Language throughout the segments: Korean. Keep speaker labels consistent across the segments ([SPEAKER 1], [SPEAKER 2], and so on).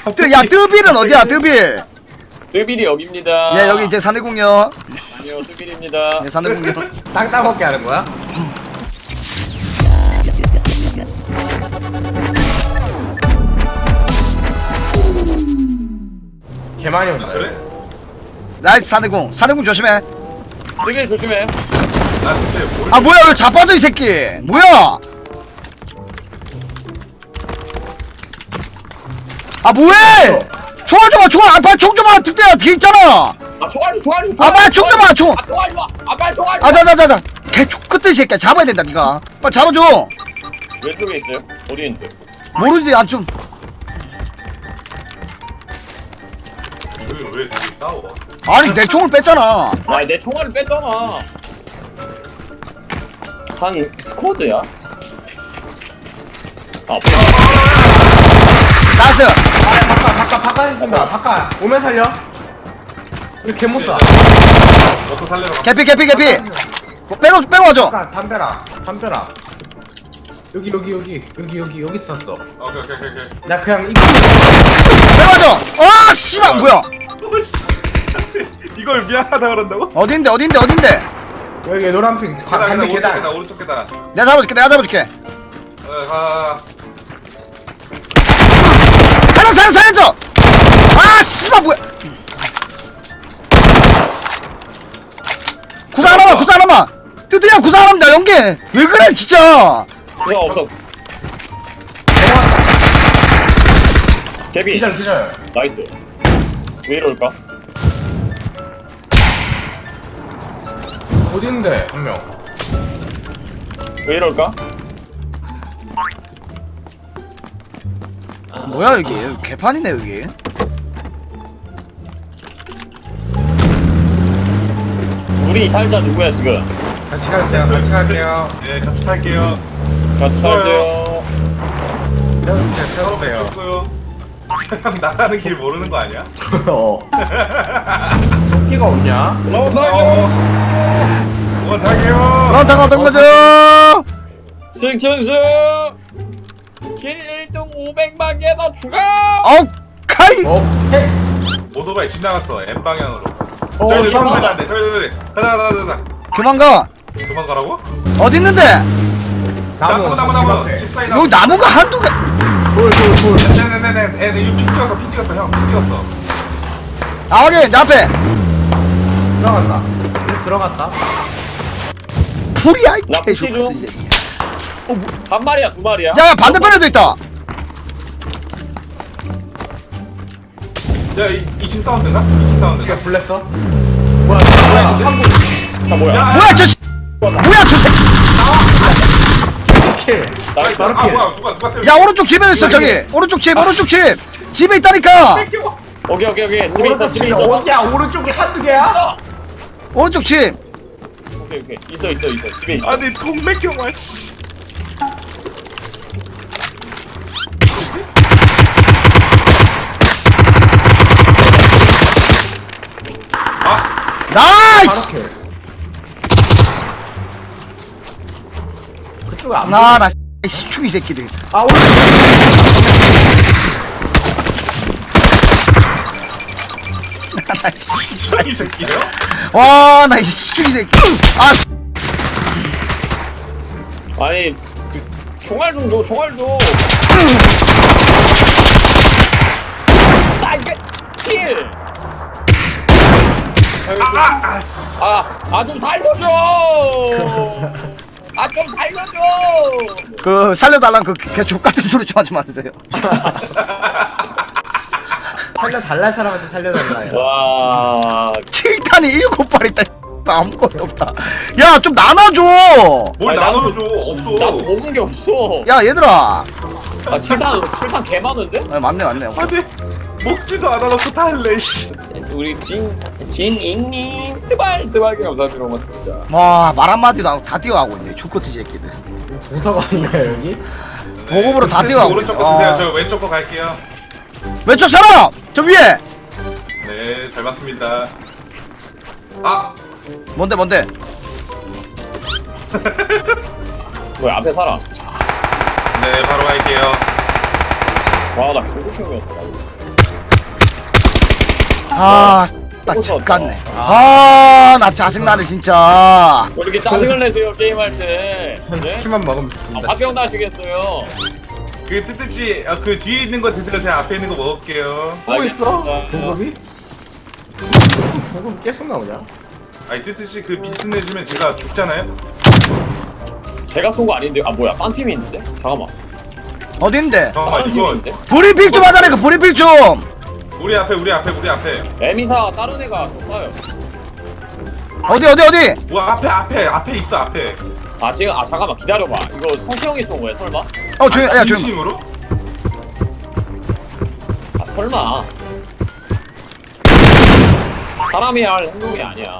[SPEAKER 1] 야 뜨빌은 어디야 뜨빌?
[SPEAKER 2] 뜨빌이 여기입니다.
[SPEAKER 1] 예 여기 이제 산해공요.
[SPEAKER 2] 아니요, 뜨빌입니다.
[SPEAKER 1] 예 산해공요.
[SPEAKER 3] 땅땅 먹게 하는 거야? 개 많이 온다.
[SPEAKER 4] 그래?
[SPEAKER 1] 나이스 산해공. 산해공 조심해.
[SPEAKER 2] 뜨빌 조심해.
[SPEAKER 4] 나 대체 뭘
[SPEAKER 1] 아 뭐야 왜 자빠져 이 새끼? 뭐야? 아 뭐해? 총알 줘봐 총알. 아 빨리 총 줘봐. 득대야 뒤에 있잖아.
[SPEAKER 2] 아, 총알 줘.
[SPEAKER 1] 아 빨리 총 줘봐 총.
[SPEAKER 2] 아, 총알 줘. 아, 빨리 총알 줘.
[SPEAKER 1] 아 자자자자. 개총 끝에 이 새끼야 잡아야 된다 니가. 빨리 잡아줘.
[SPEAKER 2] 왼쪽에 있어요? 어디 있는데?
[SPEAKER 1] 모르지 아 좀.
[SPEAKER 4] 여기 왜 둘이 싸워?
[SPEAKER 1] 아니 내 총을 뺐잖아.
[SPEAKER 2] 아, 내 총알을 뺐잖아. 한 스쿼드야? 아,
[SPEAKER 1] 나이스.
[SPEAKER 3] 바깥 있습니다. 바깥 오면 살려. 이거 개못 쏴.
[SPEAKER 4] 너도 살려라.
[SPEAKER 1] 개피 빼고 와줘.
[SPEAKER 3] 바깥 담벼라. 여기 쐈어.
[SPEAKER 4] 오케이.
[SPEAKER 3] 나 그냥
[SPEAKER 1] 빼고 와줘. 아 씨발 뭐야?
[SPEAKER 4] 이걸 미안하다 그런다고?
[SPEAKER 1] 어딘데
[SPEAKER 3] 여기 노란핑 반대
[SPEAKER 4] 오른쪽
[SPEAKER 3] 계단.
[SPEAKER 4] 계단 오른쪽 계단.
[SPEAKER 1] 내가 잡아줄게.
[SPEAKER 4] 가.
[SPEAKER 1] 살려줘. 아 씨발 뭐야? 구상 하나만. 뜨뜨야 구상 하나만 나 연계. 왜 그래 진짜?
[SPEAKER 2] 구상 없어. 개비.
[SPEAKER 3] 기절.
[SPEAKER 2] 나이스. 왜 이럴까?
[SPEAKER 3] 어디 있는데 한 명.
[SPEAKER 2] 왜 이럴까?
[SPEAKER 1] 뭐야 여기 개판이네 여기.
[SPEAKER 2] 우리 탈자 누구야 지금?
[SPEAKER 3] 같이 갈게요.
[SPEAKER 4] 예, 같이 탈게요.
[SPEAKER 2] 같이 탈게요.
[SPEAKER 3] 태워주세요.
[SPEAKER 4] 좋고요. 나가는 길 모르는 거 아니야?
[SPEAKER 3] 토끼가 없냐?
[SPEAKER 2] 어, 탈게요.
[SPEAKER 4] 탈게요.
[SPEAKER 1] 런타가 어떤 거죠?
[SPEAKER 2] 승천수 길 1등 500만 개더 추가.
[SPEAKER 1] 오카이.
[SPEAKER 3] 오케이.
[SPEAKER 4] 오토바이 지나갔어. M 방향으로.
[SPEAKER 3] 형
[SPEAKER 4] 저기 저기 가자.
[SPEAKER 1] 그만 가.
[SPEAKER 4] 도망가라고?
[SPEAKER 1] 어디 있는데?
[SPEAKER 3] 나무.
[SPEAKER 4] 집 사이
[SPEAKER 1] 여기 나무가 한두 개.
[SPEAKER 3] 돌.
[SPEAKER 4] 네네네. 이거 핑 찍었어. 형, 핑 찍었어.
[SPEAKER 1] 아 확인 내 앞에.
[SPEAKER 3] 들어갔다.
[SPEAKER 1] 풀이야 이
[SPEAKER 2] 나 푸시 중.
[SPEAKER 1] 개새끼.
[SPEAKER 2] 한 마리야 두 마리야?
[SPEAKER 1] 야 반대편에도 있다.
[SPEAKER 4] 야, 2층 사운드인가? 2층 사운드.
[SPEAKER 3] 지가 불렀어? 뭐야?
[SPEAKER 2] 자 뭐야?
[SPEAKER 4] 야,
[SPEAKER 1] 뭐야 저 새끼.
[SPEAKER 3] 킬.
[SPEAKER 2] 나이스.
[SPEAKER 4] 아, 뭐야? 누가 때려?
[SPEAKER 1] 야 오른쪽 집에 있어 저기. 오른쪽 집 집에 있다니까.
[SPEAKER 2] 오케이 집에 있어.
[SPEAKER 3] 어디야? 오른쪽에 한두 개야?
[SPEAKER 1] 오른쪽 집.
[SPEAKER 2] 오케이 있어 집에 있어.
[SPEAKER 4] 아니, 동맥경화 씨.
[SPEAKER 1] 나이스.
[SPEAKER 3] 바로 킬. 그쪽에 안
[SPEAKER 1] 나 시축이 새끼들.
[SPEAKER 3] 아 오른쪽.
[SPEAKER 4] 이 새끼요?
[SPEAKER 1] 와나 시축이 새끼. 아
[SPEAKER 2] 아니 그 총알 좀 줘. 아 이게 킬.
[SPEAKER 4] 씨.
[SPEAKER 2] 좀 살려줘. 좀 살려줘.
[SPEAKER 1] 그 살려달란 그 족같은 소리 좀 하지 마세요.
[SPEAKER 3] 살려달라 사람한테 살려달라.
[SPEAKER 2] 와.
[SPEAKER 1] 7탄이 7발 있다. 아무것도 없다. 야 좀 나눠줘.
[SPEAKER 4] 뭘
[SPEAKER 2] 아니,
[SPEAKER 4] 나눠줘? 없어.
[SPEAKER 2] 나도 먹은 게 없어.
[SPEAKER 1] 야 얘들아.
[SPEAKER 2] 아 7탄 개 많은데?
[SPEAKER 1] 아, 맞네.
[SPEAKER 4] 아니, 먹지도 않아놓고 다 할래, 씨.
[SPEAKER 2] 우리 진잉님 뜨발게 감사합니다. 고맙습니다.
[SPEAKER 1] 와 말 한마디도 안 하고 다 뛰어가고 있네. 족같은 새끼들.
[SPEAKER 3] 도서관인가요 여기?
[SPEAKER 1] 보급으로 다
[SPEAKER 4] 스탠스
[SPEAKER 1] 뛰어가고
[SPEAKER 4] 오른쪽
[SPEAKER 1] 있네.
[SPEAKER 4] 거 드세요.
[SPEAKER 1] 아.
[SPEAKER 4] 저 왼쪽 거 갈게요.
[SPEAKER 1] 왼쪽 사람 저 위에.
[SPEAKER 4] 네, 잘 봤습니다. 아,
[SPEAKER 1] 뭔데
[SPEAKER 2] 뭐야 앞에 살아.
[SPEAKER 4] 네, 바로 갈게요.
[SPEAKER 2] 와 나 경고형이었다.
[SPEAKER 1] 아, 나 집갔네. 아, 나 짜증나네 진짜.
[SPEAKER 2] 왜 이렇게 짜증을 내세요 게임할 때?
[SPEAKER 3] 전
[SPEAKER 2] 네?
[SPEAKER 3] 치킨만 먹으면 좋습니다.
[SPEAKER 2] 화병 나시겠어요.
[SPEAKER 4] 그 뜨뜻이 그 뒤에 있는 거 드세요. 제가 앞에 있는 거 먹을게요.
[SPEAKER 3] 뭐 있어?
[SPEAKER 2] 알겠습니다.
[SPEAKER 3] 보급이? 보급 계속 나오냐?
[SPEAKER 4] 아니 뜨뜻이 그 미스 내시면 제가 죽잖아요.
[SPEAKER 2] 제가 쏜 거 아닌데? 아 뭐야? 딴 팀이 있는데? 잠깐만.
[SPEAKER 1] 어딘데?
[SPEAKER 4] 잠깐만
[SPEAKER 2] 다른 팀이
[SPEAKER 4] 이거
[SPEAKER 2] 있는데?
[SPEAKER 1] 브리핑 좀 하자니까 브리핑 좀.
[SPEAKER 4] 우리 앞에.
[SPEAKER 2] 에미사 다른 애가 줬어요.
[SPEAKER 1] 어디?
[SPEAKER 4] 뭐 앞에 있어 앞에.
[SPEAKER 2] 아 지금 아 잠깐만 기다려봐. 이거 성태형이 쏜 거야 설마?
[SPEAKER 1] 조용, 야 조용.
[SPEAKER 4] 진심으로?
[SPEAKER 2] 아 설마. 사람이 할 행동이 아니야.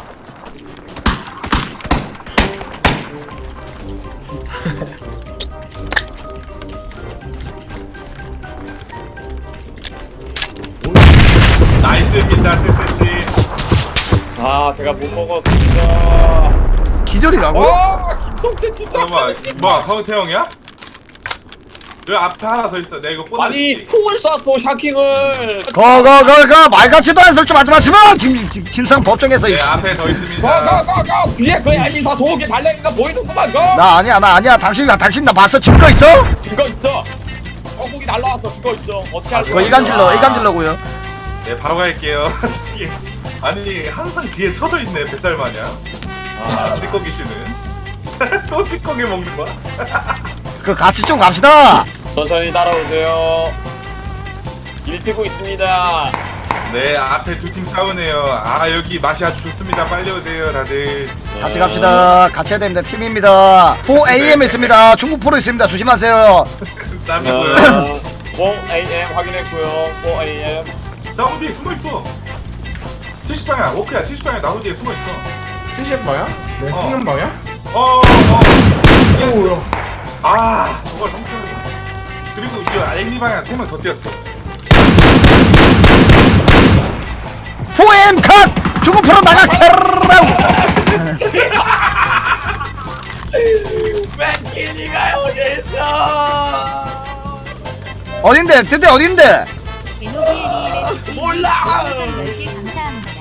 [SPEAKER 4] 나이스입니다 뜨뜻이.
[SPEAKER 2] 아 제가 못 먹었습니다.
[SPEAKER 1] 기절이라고?
[SPEAKER 2] 와 김성태 진짜.
[SPEAKER 4] 잠깐만 뭐야 성태형이야? 여기 앞에 하나 더 있어. 내가 이거 뽀나.
[SPEAKER 2] 아니 총을 쐈어 샤킹을.
[SPEAKER 1] 거 말같지도 않은 소리 좀 하지 마시마. 지금 심상 법정에서.
[SPEAKER 4] 네 앞에 더 있습니다.
[SPEAKER 2] 가 뒤에 그 에미사 소고기 달래기가 보이는구만 거.
[SPEAKER 1] 나 아니야. 당신 나 봤어. 증거 있어?
[SPEAKER 2] 증거 있어. 소고기 날라왔어 증거 있어. 어떻게 할
[SPEAKER 1] 그거
[SPEAKER 2] 거야?
[SPEAKER 1] 이간질러고요.
[SPEAKER 4] 네 바로 갈게요. 저기 아니 항상 뒤에 쳐져 있네 뱃살 마냥. 아 찌꺼기씨는 또 찌꺼기 먹는 거야?
[SPEAKER 1] 그 같이 좀 갑시다.
[SPEAKER 2] 천천히 따라오세요. 길 트고 있습니다.
[SPEAKER 4] 네 앞에 두 팀 싸우네요. 아 여기 맛이 아주 좋습니다. 빨리 오세요 다들.
[SPEAKER 1] 같이 갑시다. 같이 해야 됩니다. 팀입니다. 4AM 있습니다. 중국 포로 있습니다. 조심하세요.
[SPEAKER 4] 짬이고요.
[SPEAKER 2] 4AM 확인했고요. 4AM.
[SPEAKER 4] 나무 뒤에 숨어 있어. 70방향 워크야 70방향 나무 뒤에 숨어 있어.
[SPEAKER 3] 70방향? 네,
[SPEAKER 4] 어.
[SPEAKER 3] 찍는 방향?
[SPEAKER 4] 오야. 아 저걸 성격. 그리고 이 알리 방향 3명 더 뛰었어.
[SPEAKER 1] 4AM 컷! 중국 포로 나가케라우!
[SPEAKER 2] 맨키니가 여기 있어.
[SPEAKER 1] 어딘데? 드디어 어딘데?
[SPEAKER 5] 에노비에리엘의 치킨
[SPEAKER 2] 몰라!
[SPEAKER 5] 10개 감사합니다.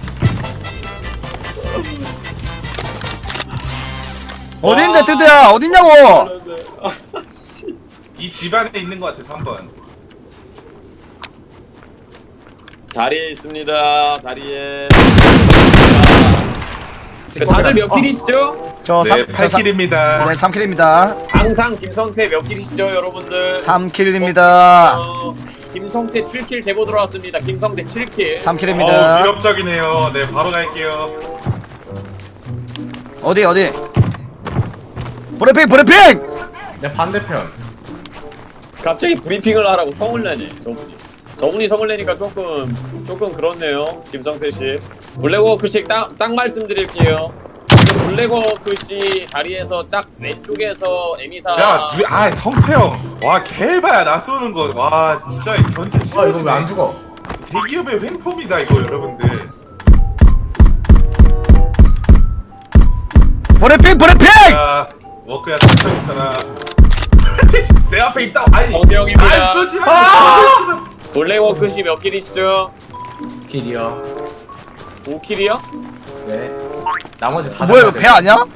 [SPEAKER 1] 어딘데 드디어 어딨냐고?
[SPEAKER 4] 이 집안에 있는 것 같아 3번.
[SPEAKER 2] 다리에 있습니다. 다리에. 다들 몇 킬이시죠?
[SPEAKER 1] 저
[SPEAKER 4] 네 8킬입니다.
[SPEAKER 1] 네 3킬입니다.
[SPEAKER 2] 항상 김성태 몇 킬이시죠, 여러분들?
[SPEAKER 1] 3킬입니다.
[SPEAKER 2] 김성태 7킬 제보 들어왔습니다. 김성태 7킬.
[SPEAKER 1] 3킬입니다.
[SPEAKER 4] 위협적이네요. 네 바로 갈게요.
[SPEAKER 1] 어디? 브리핑!
[SPEAKER 3] 내 반대편.
[SPEAKER 2] 갑자기 브리핑을 하라고 성을 내네, 저분이 성을 내니까 조금 그렇네요, 김성태 씨. 블랙워크 씨 딱 말씀드릴게요. 블랙워크 씨 자리에서 딱 왼쪽에서 에미사.
[SPEAKER 4] 성태형. 와 개바야 나 쏘는 거. 와 진짜 견제
[SPEAKER 3] 아, 이거 왜
[SPEAKER 4] 심하지네.
[SPEAKER 3] 안 죽어?
[SPEAKER 4] 대기업의 횡포입니다 이거 여러분들.
[SPEAKER 1] 브리핑!
[SPEAKER 4] 야 워크야 천천히 있어라. 내 앞에 있다. 아니
[SPEAKER 2] 성태형입니다.
[SPEAKER 4] 안 쏘지 마.
[SPEAKER 2] 블랙워크 씨 몇 킬이시죠?
[SPEAKER 3] 길이요.
[SPEAKER 2] 5킬이요?
[SPEAKER 3] 네. 나머지 다
[SPEAKER 1] 뭐야 이거
[SPEAKER 3] 잡아야
[SPEAKER 1] 배
[SPEAKER 3] 돼.
[SPEAKER 1] 아니야?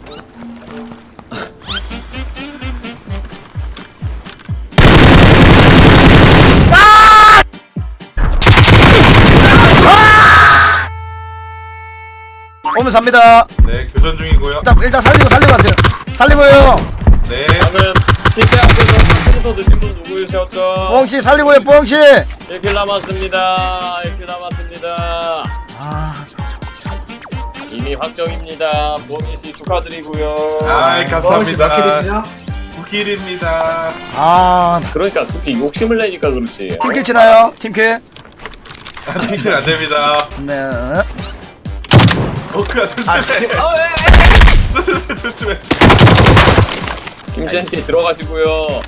[SPEAKER 1] 오면 삽니다.
[SPEAKER 4] 네 교전 중이고요.
[SPEAKER 1] 일단 살리고 가세요. 살리고요.
[SPEAKER 4] 네.
[SPEAKER 2] 방금 식사 앞에서 탕수리소 드신 분 누구셨죠?
[SPEAKER 1] 뽕씨 살리고요. 뽕씨.
[SPEAKER 2] 1킬 남았습니다. 1킬 남았습니다.
[SPEAKER 1] 아,
[SPEAKER 2] 이미 확정입니다. 부엉이 씨 축하드리고요.
[SPEAKER 4] 아이
[SPEAKER 3] 몇
[SPEAKER 4] 감사합니다.
[SPEAKER 3] 킬이시죠?
[SPEAKER 4] 9킬입니다.
[SPEAKER 1] 아,
[SPEAKER 2] 그러니까 그렇게 욕심을 내니까 그렇지.
[SPEAKER 1] 팀킬 치나요? 팀킬?
[SPEAKER 4] 팀킬 안 됩니다.
[SPEAKER 1] 네.
[SPEAKER 4] 워크야 조심해. 조심해.
[SPEAKER 2] 김센 씨 들어가시고요.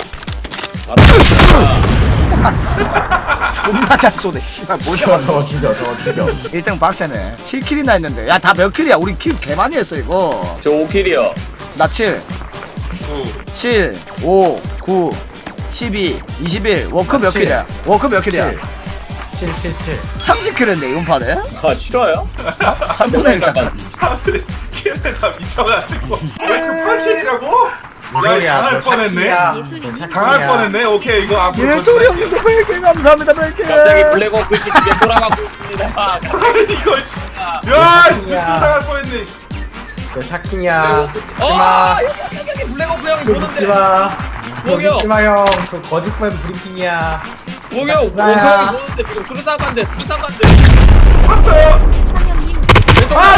[SPEAKER 1] 존나 잘 쏘네. 씨발 뭐야?
[SPEAKER 3] 저거 죽여.
[SPEAKER 1] 1등 박세네. 7킬이나 했는데. 야, 다 몇 킬이야? 우리 킬 개 많이 했어 이거.
[SPEAKER 2] 저 5킬이요.
[SPEAKER 1] 나 7, 7, 5, 9, 12, 21. 워크 몇
[SPEAKER 3] 칠.
[SPEAKER 1] 킬이야? 워크 몇 킬이야?
[SPEAKER 3] 777.
[SPEAKER 1] 30킬인데 이번 판에?
[SPEAKER 2] 아 싫어요?
[SPEAKER 1] 3분의 1 딱.
[SPEAKER 4] 사람들이 키네가 미쳐가지고 왜 급하킬이라고?
[SPEAKER 3] 무슨
[SPEAKER 4] 야
[SPEAKER 3] 소리야,
[SPEAKER 4] 당할
[SPEAKER 3] 너
[SPEAKER 4] 뻔했네.
[SPEAKER 3] 샤키야.
[SPEAKER 5] 예술이니?
[SPEAKER 3] 너
[SPEAKER 4] 당할
[SPEAKER 3] 샤키야.
[SPEAKER 4] 뻔했네. 오케이 이거 앞으로
[SPEAKER 1] 예솔이 형님도 100개 감사합니다 100개.
[SPEAKER 2] 갑자기 블랙워크 시티에 돌아가고 있습니다.
[SPEAKER 4] 이거 씨. 야 진짜 당할 뻔했네.
[SPEAKER 3] 너 샤킹이야.
[SPEAKER 2] 아 여기 블랙워크 형이
[SPEAKER 3] 그거 믿지
[SPEAKER 2] 보는데.
[SPEAKER 3] 마. 그거
[SPEAKER 2] 목욕.
[SPEAKER 3] 믿지 마, 형. 그 거짓말 브리핑이야.
[SPEAKER 2] 목욕 워크
[SPEAKER 3] 나야.
[SPEAKER 2] 형이 보는데 지금 수류탄 간대 수류탄 간대.
[SPEAKER 4] 봤어요.
[SPEAKER 5] 삼형님
[SPEAKER 2] 왼쪽
[SPEAKER 3] 아,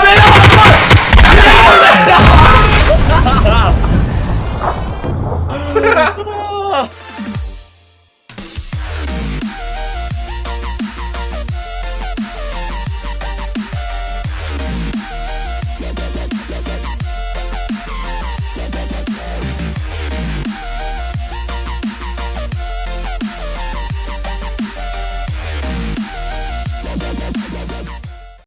[SPEAKER 3] 내려!